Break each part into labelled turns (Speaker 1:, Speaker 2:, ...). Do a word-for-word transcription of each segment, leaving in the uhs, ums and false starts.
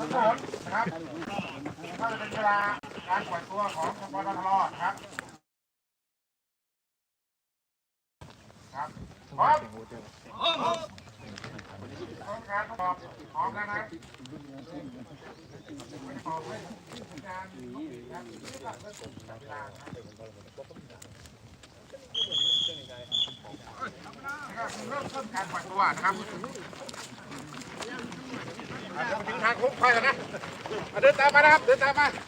Speaker 1: ทุกคนนะครับก็จะเป็นเวลาการปล่อยตัวของปตทนะครับครับพร้อมพร้อมการประกอบพร้อมแล้วนะประกอบด้วยการครับเริ่มต้นการปล่อยตัวนะครับถึงทางโค้งค่อยแล้วนะเดินตามมานะครับเดินตามมา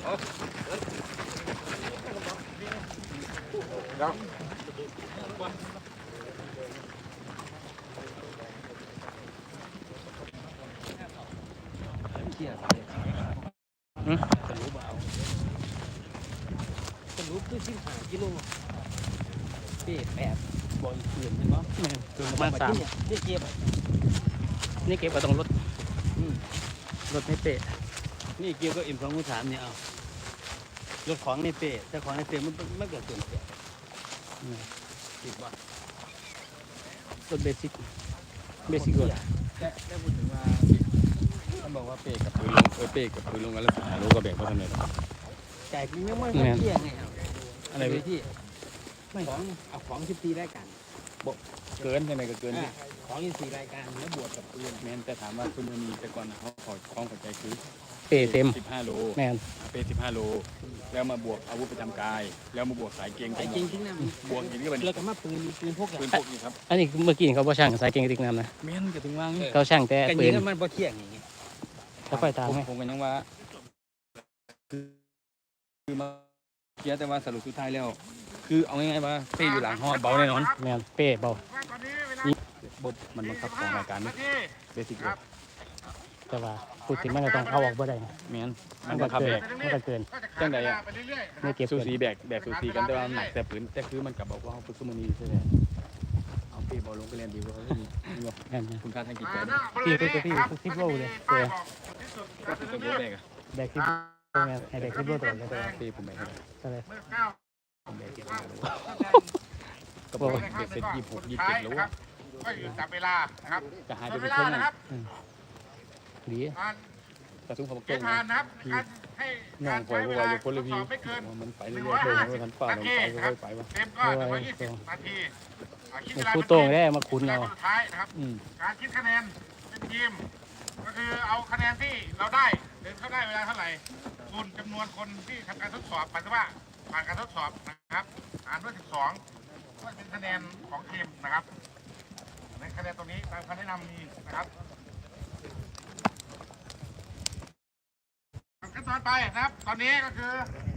Speaker 1: เดี๋ยว
Speaker 2: สรุปคือสิบห้ากิโลเป๊ะแปดบ่อยเกินใช่ไหมคือประมาณสามนี่เก็บนี่เก็บก็ต้องลดรถไม่เป๊ะนี่เกี่ยวกับเอ็มสองสามเนี่ยเอารถของในเป๊ะแต่ของในเป๊ะมันไม่เกิดเกินเป๊ะติดว่ารถเบสิกเบสิกรถ
Speaker 3: แค่แค่พูดถึงว่าท่านบอกว่าเป๊ะกับปืนลงเออเป๊ะกับปืนลงกันแล้วหารู้ก็แบ่งเพราะท่านเลย
Speaker 2: จ่ายยังไม่เที่ยงไงอะไรที่ไม่ของเอาของสิบสี่รายการ
Speaker 3: เกินยังไงก็เกินที่
Speaker 2: ของยี่สี่รายการแล้วบวกกับปืน
Speaker 3: แมนแต่ถามว่าคุณมีแต่ก่อนเขาขอคล้องหัวใจคือ
Speaker 2: เปเต็ม
Speaker 3: สิบห้าโล
Speaker 2: แมน
Speaker 3: เปสิบห้าโลแล้วมาบวกอาวุธประจำกายแล้วมาบวกสายเกง
Speaker 2: สายเกงทิ้งน้
Speaker 3: ำบวกอย่างนี้ก็เป็น
Speaker 2: แล้วก็มาปืนปืนพก
Speaker 3: ปืนพกนี่ครับ
Speaker 2: อันนี้เมื่อกี้เขาบอกช่างสายเกงทิ้งน้ำนะ
Speaker 3: แมนก็ถึงว่าง
Speaker 2: เขาช่างแต่ปืนมันบ่เที่ยงอย่างงี้แล้วค่อยตาม
Speaker 3: ผมกันยังว่าคือมาเกียร์แต่ว่าสรุปสุดท้ายแล้วคือเอาง่ายๆว่าเป้อยู่หลังห่อเบาแน่นอน
Speaker 2: แมนเป้เบา
Speaker 3: บทมันบังคับของรายการนี่เบสิกเลย
Speaker 2: แต่ว่าพูดถึงมันก็ต้องเอาออกบ่ได้
Speaker 3: แมนมันบังคับแบก
Speaker 2: มันก็เกิน
Speaker 3: จังใดอ่ะ
Speaker 2: ไม่เก็บ
Speaker 3: สูสีแบกแบกสูสีกันแต่ว่าหนักแต่ปืนแต่คือมันกับบอกว่าเขาฝึกสมุนีใช่ไหมเอาเป้บอลลงไปเรียนดีกว่าเขาที่นี่คุณค่าทางจิตใจ
Speaker 2: พี่พี่พี่พี่โลเลยเออ
Speaker 3: ก็คือตัวแบกอะ
Speaker 2: แบกที่แมนให้แบกที่โลตัวเลย
Speaker 3: เป้ผมแบก
Speaker 2: ใช่เลย
Speaker 3: ผมแบกที่โลก็บอกว่าเสร็จยี่สิบหกยี่สิบเจ็ดโล
Speaker 1: ก็อยู่จับเวลานะครับ
Speaker 3: จะหายไปเป็นช่วง
Speaker 1: นะครับ
Speaker 2: ดี
Speaker 3: กระทุ่งของ
Speaker 1: เกณฑ์ผ่านนะครับให้
Speaker 3: น้องคอยว่าอยู่คนละพีมันไปเรื่อยๆเลยมันป่าลงไปค่อยไปวะ
Speaker 1: เต็มก็หนึ่งร้อยยี่สิบนาที
Speaker 2: คู่โต้งได้มาคุ้นเรา
Speaker 1: สุดท้ายนะครับการคิดคะแนนเป็นทีมก็คือเอาคะแนนที่เราได้หรือเขาได้เวลาเท่าไหร่คูณจำนวนคนที่ทำการทดสอบปัจจุบันผ่านการทดสอบนะครับหารด้วยสิบสองก็เป็นคะแนนของทีมนะครับในคะแนนตรงนี้ตามคำแนะนำมีนะครับขั้นตอนไปนะครับตอนนี้ก็คือ